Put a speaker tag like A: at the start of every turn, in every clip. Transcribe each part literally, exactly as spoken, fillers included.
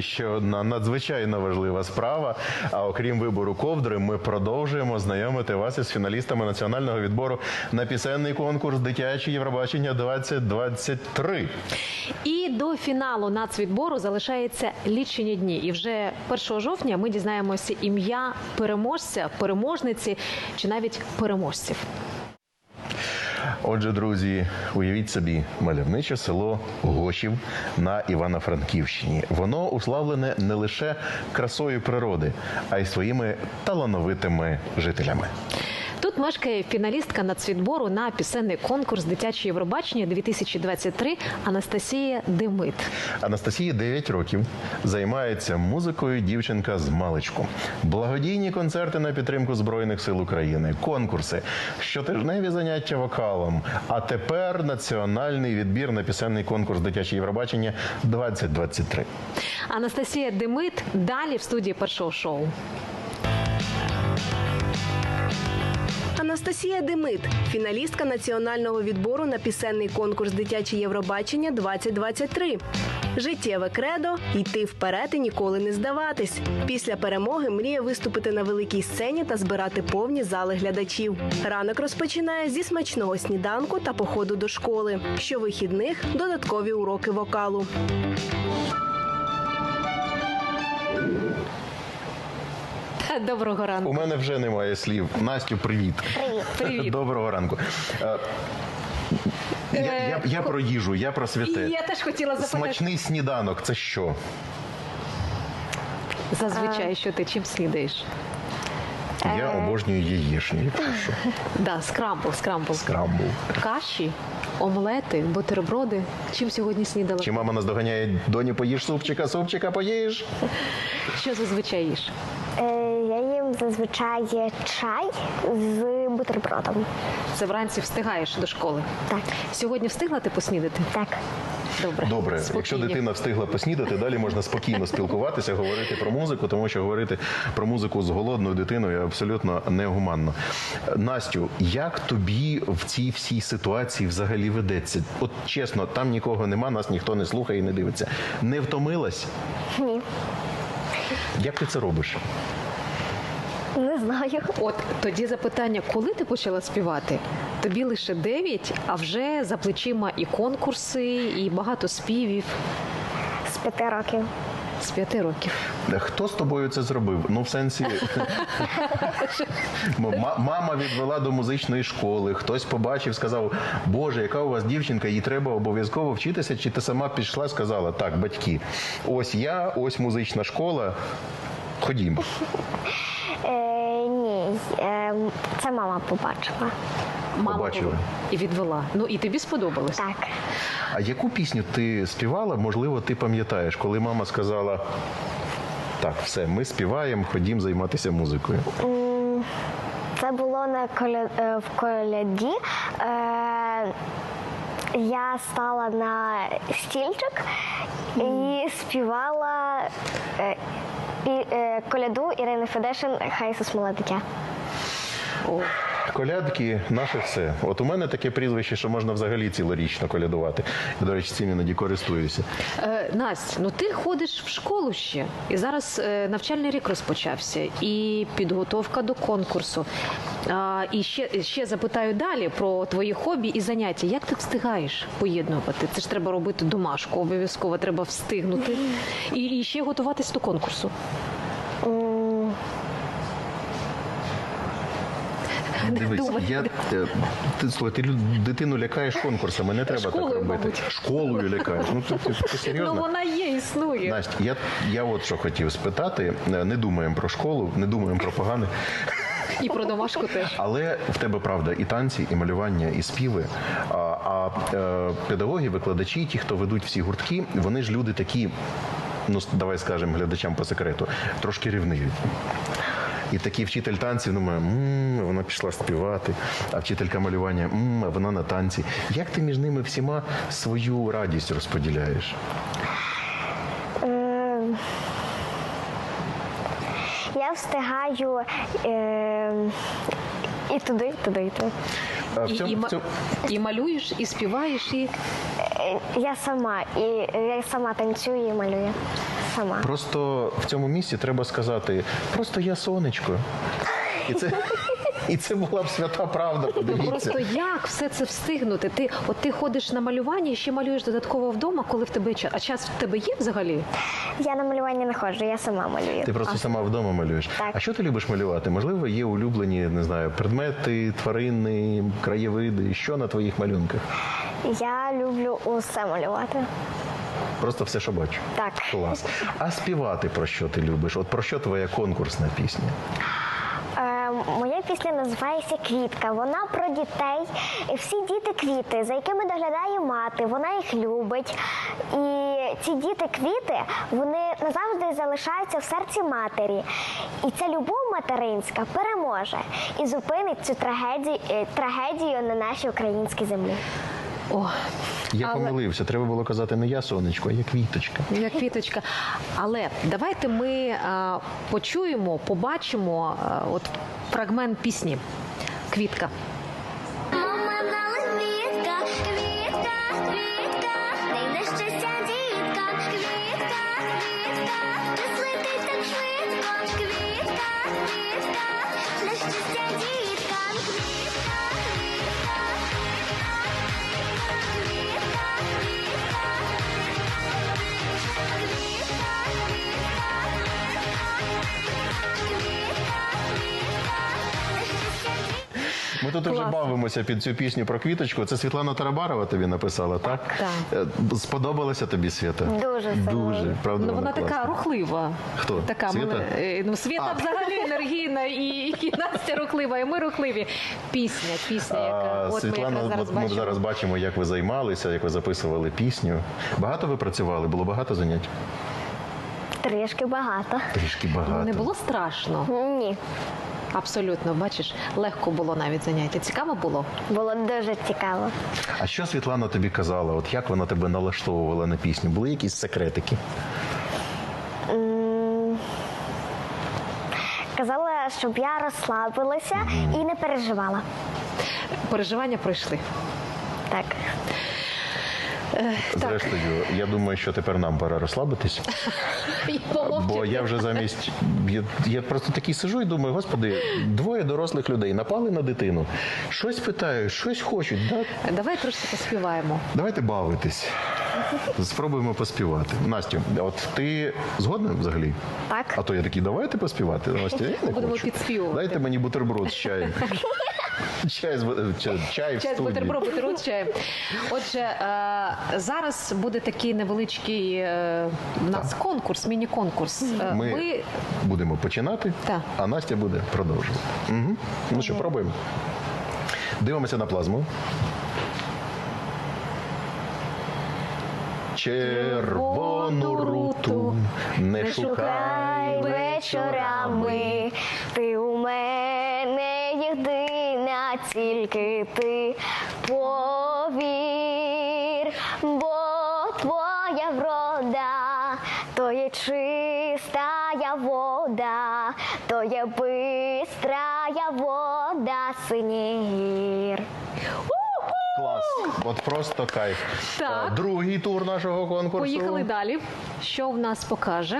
A: ще одна надзвичайно важлива справа. А окрім вибору ковдри, ми продовжуємо знайомити вас із фіналістами національного відбору на пісенний конкурс «Дитяче Євробачення двадцять двадцять три».
B: І до фіналу нацвідбору залишається лічені дні. І вже першого жовтня ми дізнаємося ім'я переможця, переможниці чи навіть переможців.
A: Отже, друзі, уявіть собі мальовниче село Гошів на Івано-Франківщині. Воно уславлене не лише красою природи, а й своїми талановитими жителями.
B: Тут мешкає фіналістка нацвідбору на пісенний конкурс «Дитяче Євробачення дві тисячі двадцять три» Анастасія Демит.
A: Анастасії дев'ять років. Займається музикою дівчинка з маличку. Благодійні концерти на підтримку Збройних сил України, конкурси, щотижневі заняття вокалом. А тепер національний відбір на пісенний конкурс «Дитяче Євробачення двадцять двадцять три».
B: Анастасія Демит далі в студії першого шоу.
C: Анастасія Демит – фіналістка національного відбору на пісенний конкурс «Дитяче Євробачення двадцять двадцять три». Життєве кредо – йти вперед і ніколи не здаватись. Після перемоги мріє виступити на великій сцені та збирати повні зали глядачів. Ранок розпочинає зі смачного сніданку та походу до школи. Щовихідних – додаткові уроки вокалу.
B: Доброго ранку.
A: У мене вже немає слів. Настю, привіт.
D: Привіт.
B: Привіт.
A: Доброго ранку. Е, Я, я, я про їжу, я про святе.
B: І я теж хотіла запитати.
A: Смачний сніданок – це що?
B: Зазвичай, що ти чим снідаєш?
A: Я обожнюю яєчню, якщо що.
B: Да, скрамбл, скрамбл.
A: Скрамбл.
B: Каші, омлети, бутерброди. Чим сьогодні снідала?
A: Чи мама наздоганяє: доню, поїж супчика, супчика поїж?
B: Що зазвичай їш?
D: Е, Я їм зазвичай чай з бутербродом.
B: Це вранці встигаєш до школи?
D: Так.
B: Сьогодні встигла ти поснідати?
D: Так.
B: Добре.
A: Добре,
B: Спокійні.
A: якщо дитина встигла поснідати, далі можна спокійно спілкуватися, говорити про музику, тому що говорити про музику з голодною дитиною абсолютно негуманно. Настю, як тобі в цій всій ситуації взагалі ведеться? От чесно, там нікого нема, нас ніхто не слухає і не дивиться. Не втомилась?
D: Ні.
A: Як ти це робиш?
D: Не знаю.
B: От тоді запитання, коли ти почала співати? Тобі лише дев'ять, а вже за плечима і конкурси, і багато співів.
D: З п'яти років.
B: З п'яти років.
A: Хто з тобою це зробив? Ну, в сенсі, М- мама відвела до музичної школи, хтось побачив, сказав: Боже, яка у вас дівчинка, їй треба обов'язково вчитися, чи ти сама пішла, сказала: так, батьки, ось я, ось музична школа, ходімо.
D: Е, ні, е, це мама побачила.
B: Мама
A: Побачила.
B: і відвела. Ну і тобі сподобалось?
D: Так.
A: А яку пісню ти співала, можливо, ти пам'ятаєш, коли мама сказала: так, все, ми співаємо, ходім займатися музикою?
D: Це було на коля... е, в коляді. Е, я стала на стільчик і співала е, і, е, коляду Ірини Федешин «Хай Ісус миле дитя».
B: О.
A: Колядки – наше все. От у мене таке прізвище, що можна взагалі цілорічно колядувати. Я, до речі, цим іноді користуюся.
B: Е, Настя, ну ти ходиш в школу ще, і зараз е, навчальний рік розпочався, і підготовка до конкурсу. А, і ще, ще запитаю далі про твої хобі і заняття. Як ти встигаєш поєднувати? Це ж треба робити домашку, обов'язково треба встигнути. І, і ще готуватись до конкурсу.
A: Дивись,
B: думай.
A: я, е, ти, слухай, ти лю- дитину лякаєш конкурсами, не треба
B: Школою,
A: так робити.
B: мабуть.
A: Школою лякаєш. Ну, ти, ти, ти серйозно?
B: Ну вона є, існує.
A: Настя, я, я от що хотів спитати. Не думаємо про школу, не думаємо про погане.
B: І про домашку теж.
A: Але в тебе, правда, і танці, і малювання, і співи. А, а е, педагоги, викладачі, ті, хто ведуть всі гуртки, вони ж люди такі, ну, давай скажемо глядачам по секрету, трошки рівниві. І такий вчитель танців думає: мм, вона пішла співати, а вчителька малювання: мм, вона на танці. Як ти між ними всіма свою радість розподіляєш?
D: Е, я встигаю е, і туди, і туди, і туди.
A: А в
B: І,
A: цьому-
B: і,
A: в
B: ма-
A: цьому-
B: і малюєш, і співаєш, і
D: Е, Я сама, і я сама танцюю і малюю. сама.
A: Просто в цьому місці треба сказати, просто я сонечко. І це, і це була б свята правда, подивіться.
B: Просто як все це встигнути? Ти, от ти ходиш на малювання і ще малюєш додатково вдома, коли в тебе час. А час в тебе є взагалі?
D: Я на малювання не ходжу, я сама малюю.
A: Ти просто сама вдома малюєш.
D: Так.
A: А що ти любиш малювати? Можливо, є улюблені, не знаю, предмети, тварини, краєвиди. Що на твоїх малюнках?
D: Я люблю усе малювати.
A: Просто все, що бачу.
D: Так.
A: Клас. А співати про що ти любиш? От про що твоя конкурсна пісня?
D: Е, моя пісня називається «Квітка». Вона про дітей. І всі діти квіти, за якими доглядає мати. Вона їх любить. І ці діти-квіти, вони назавжди залишаються в серці матері. І ця любов материнська переможе і зупинить цю трагедію, е, трагедію на нашій українській землі.
B: О,
A: Я
B: Але-
A: помилився. Треба було казати не я сонечко, а я квіточка.
B: як квіточка. Але давайте ми а, почуємо, побачимо а, от фрагмент пісні «Квітка».
E: Мама дала квітка, квітка, квітка, дай на щастя дітка, квітка, квітка, не злетить так швидко, квітка, квітка, на щастя дітка, квітка, квітка, квітка,
A: Ми тут вже
B: Класно.
A: бавимося під цю пісню про квіточку. Це Світлана Тарабарова тобі написала, так?
B: Так.
A: Е, Сподобалася тобі, Свята?
D: Дуже сильно.
A: Дуже, правда,
B: Ну, вона
A: класна.
B: така рухлива.
A: Хто?
B: Така
A: Світа?
B: мене- е, ну, Світа
A: А.
B: взагалі енергійна, і, і Настя рухлива, і ми рухливі. Пісня, пісня, яка
A: А,
B: от ми
A: Світлана,
B: якраз зараз
A: от ми
B: бачимо.
A: зараз бачимо, як ви займалися, як ви записували пісню. Багато ви працювали? Було багато занять?
D: Трішки багато.
A: Трішки багато.
B: Ну, не було страшно.
D: Ні,
B: Абсолютно, бачиш, легко було навіть заняття. Цікаво було?
D: було дуже цікаво.
A: А що Світлана тобі казала? От як вона тебе налаштовувала на пісню? Були якісь секретики?
D: Казала, щоб я розслабилася і не переживала.
B: Переживання пройшли.
D: Так.
A: Зрештою, я думаю, що тепер нам пора розслабитись.
B: І
A: Бо
B: помовчати.
A: я вже замість. Я, я просто такий сижу і думаю, господи, двоє дорослих людей напали на дитину. Щось питають, щось хочуть. Да?
B: Давай трошки поспіваємо.
A: Давайте бавитись. Спробуємо поспівати. Настю, от ти згодна взагалі?
D: Так.
A: А то я такий, давайте поспівати. Настя, я не
B: Будемо
A: хочу.
B: підспівувати.
A: Дайте мені бутерброд з чаєм. Чай з бу- чай, чай в
B: Чай з
A: студії.
B: бутерброд, бутерброд з чаєм. Отже, е, зараз буде такий невеличкий е, у нас конкурс, міні-конкурс. Е,
A: Ми
B: Ви
A: будемо починати,
B: Так.
A: а Настя буде продовжувати. Угу. Ну що, пробуємо. Дивимося на плазму. Червону руту не шукай
D: вечорами, ти у мене єдина, тільки ти повір, бо твоя врода, то є чистая вода, то є бистрая вода синір.
A: Клас. От просто кайф.
B: Так.
A: Е, Другий тур нашого конкурсу.
B: поїхали далі. Що в нас покаже?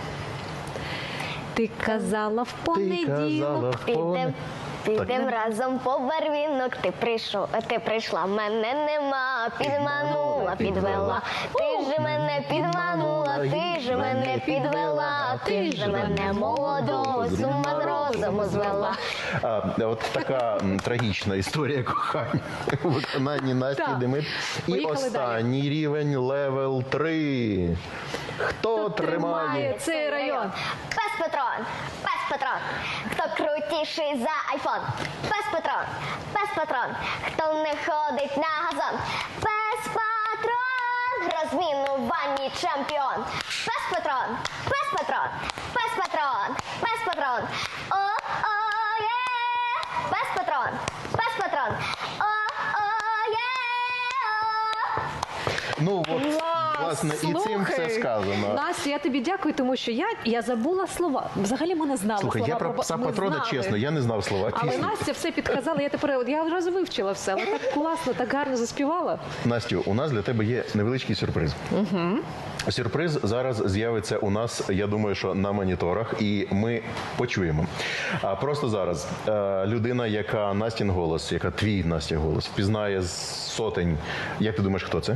B: Ти казала в
A: Ти
B: понеділок.
A: казала в
D: Підем,
A: пон-
D: підем разом по барвінок. Ти прийшов, ти прийшла, мене нема. Підманула, підвела. Ти ж мене підманула, ти ж мене підвела. Ти ж мене молодого з ума з розуму звела.
A: А, от така м, трагічна історія кохання у виконанні Насті
B: Так.
A: Демит. І
B: Поїхали
A: останній рівень левел три. Хто
B: Тримає
A: тримає?
B: цей район.
D: Пес Патрон, пес Патрон, хто крутіший за айфон. Пес Патрон, пес Патрон, хто не ходить на газон. Пес Патрон, розмінуванні чемпіон. Пес Патрон, пес Патрон, пес Патрон, пес Патрон. О-о-є, пес Патрон, пес Патрон. О-о-є, о.
A: Ну от власне і цим все
B: Слухай,
A: сказано.
B: Настя, я тобі дякую, тому що я, я забула слова. Взагалі ми не знали
A: Слухай,
B: слова.
A: я про
B: про-
A: пса
B: ми
A: патрона,
B: знали.
A: чесно, я не знав слова
B: Але
A: пісні.
B: Настя все підказала, я тепер от я одразу вивчила все, але так класно, так гарно заспівала.
A: Настю, у нас для тебе є невеличкий сюрприз. Угу. Сюрприз зараз з'явиться у нас, я думаю, що на моніторах, і ми почуємо. А просто зараз е, людина, яка Настін голос, яка твій Настя голос, впізнає з сотень. Як ти думаєш, хто це?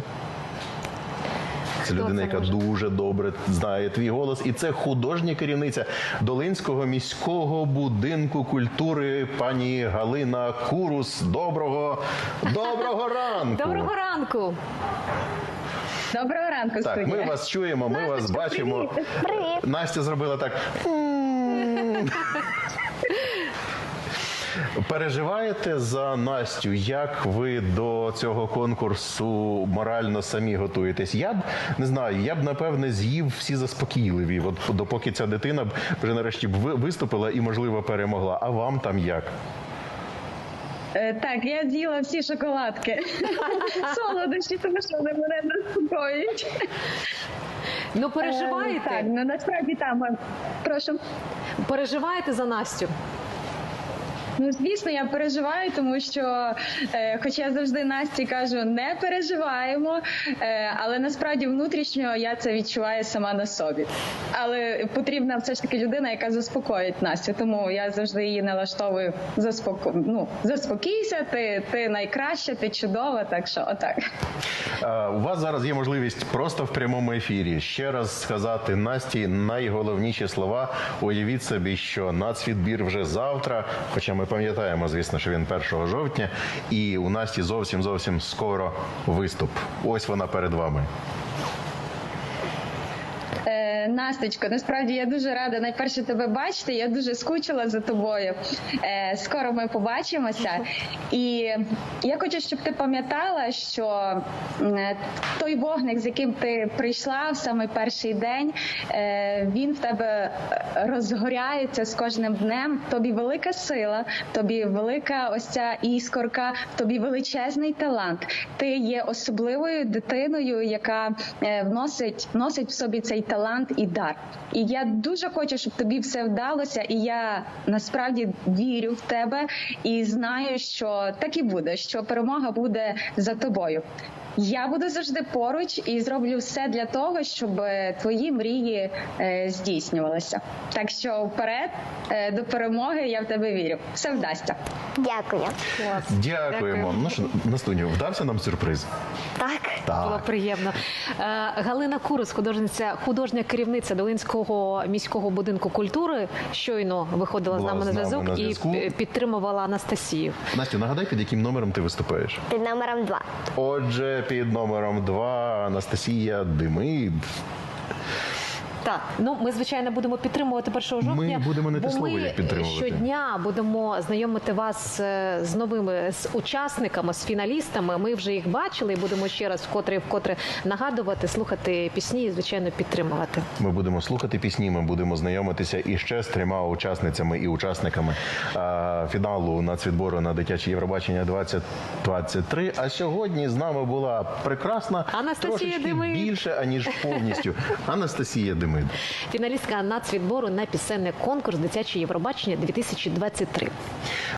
A: Це людина,
B: це
A: яка
B: може?
A: дуже добре знає твій голос, і це художня керівниця Долинського міського будинку культури пані Галина Курус. Доброго, доброго ранку!
B: Доброго ранку!
F: Доброго ранку,
A: Так,
F: студія.
A: ми вас чуємо, ми вас бачимо.
D: Привіт.
A: Настя зробила так. Переживаєте за Настю? Як ви до цього конкурсу морально самі готуєтесь? Я б не знаю, я б напевне з'їв всі заспокійливі, от допоки ця дитина б вже нарешті б ви- виступила і, можливо, перемогла. А вам там як?
F: Е, Так, я з'їла всі шоколадки. Солодощі, тому що вони мене заспокоюють.
B: Ну,
F: Е,
B: переживаєте?
F: Так, ну насправді там. е, Прошу.
B: Переживаєте за Настю?
F: Ну, звісно, я переживаю, тому що, е, хоча я завжди Насті кажу, не переживаємо, е, але насправді внутрішньо я це відчуваю сама на собі. Але потрібна все ж таки людина, яка заспокоїть Настю, тому я завжди її налаштовую заспоко... ну, заспокійся, ти, ти найкраща, ти чудова, так що отак.
A: Е, У вас зараз є можливість просто в прямому ефірі ще раз сказати Насті найголовніші слова. Уявіть собі, що нацвідбір вже завтра, хоча ми пам'ятаємо, звісно, що він першого жовтня, і у Насті зовсім-зовсім скоро виступ. Ось вона перед вами.
F: Е, Насточко, насправді я дуже рада найперше тебе бачити. Я дуже скучила за тобою. Е, скоро ми побачимося. І я хочу, щоб ти пам'ятала, що е, той вогник, з яким ти прийшла в самий перший день, е, він в тебе розгоряється з кожним днем. Тобі велика сила, тобі велика ось ця іскорка, тобі величезний талант. Ти є особливою дитиною, яка е, вносить, вносить в собі цей талант і дар. І я дуже хочу, щоб тобі все вдалося, і я насправді вірю в тебе і знаю, що так і буде, що перемога буде за тобою. Я буду завжди поруч і зроблю все для того, щоб твої мрії е, здійснювалися. Так що вперед, е, до перемоги, я в тебе вірю. Все вдасться.
D: Дякую.
B: Клас.
A: Дякуємо. Ну що, Настуню, вдався нам сюрприз?
D: Так.
B: Було приємно. Е, Галина Курус, художниця, художня керівниця Долинського міського будинку культури, щойно виходила з
A: Була
B: нами на
A: з нами
B: зв'язок
A: на
B: і
A: зв'язку.
B: пі- підтримувала Анастасію.
A: Настю, нагадай, під яким номером ти виступаєш?
D: Під номером два.
A: Отже, під номером два Анастасія Демид.
B: Так, ну ми звичайно будемо підтримувати першого жовтня.
A: Ми будемо не те
B: бо
A: слово,
B: ми
A: як підтримувати.
B: щодня будемо знайомити вас е, з новими з учасниками, з фіналістами. Ми вже їх бачили і будемо ще раз вкотре і вкотре нагадувати, слухати пісні і звичайно підтримувати.
A: Ми будемо слухати пісні, ми будемо знайомитися іще з трьома учасницями і учасниками а, фіналу нацвідбору на дитяче Євробачення двадцять двадцять три. А сьогодні з нами була прекрасна,
B: Анастасія
A: трошечки
B: Демид.
A: більше, аніж повністю. Анастасія Демид.
B: Фіналістка нацвідбору на пісенний конкурс дитяче Євробачення дві тисячі двадцять три.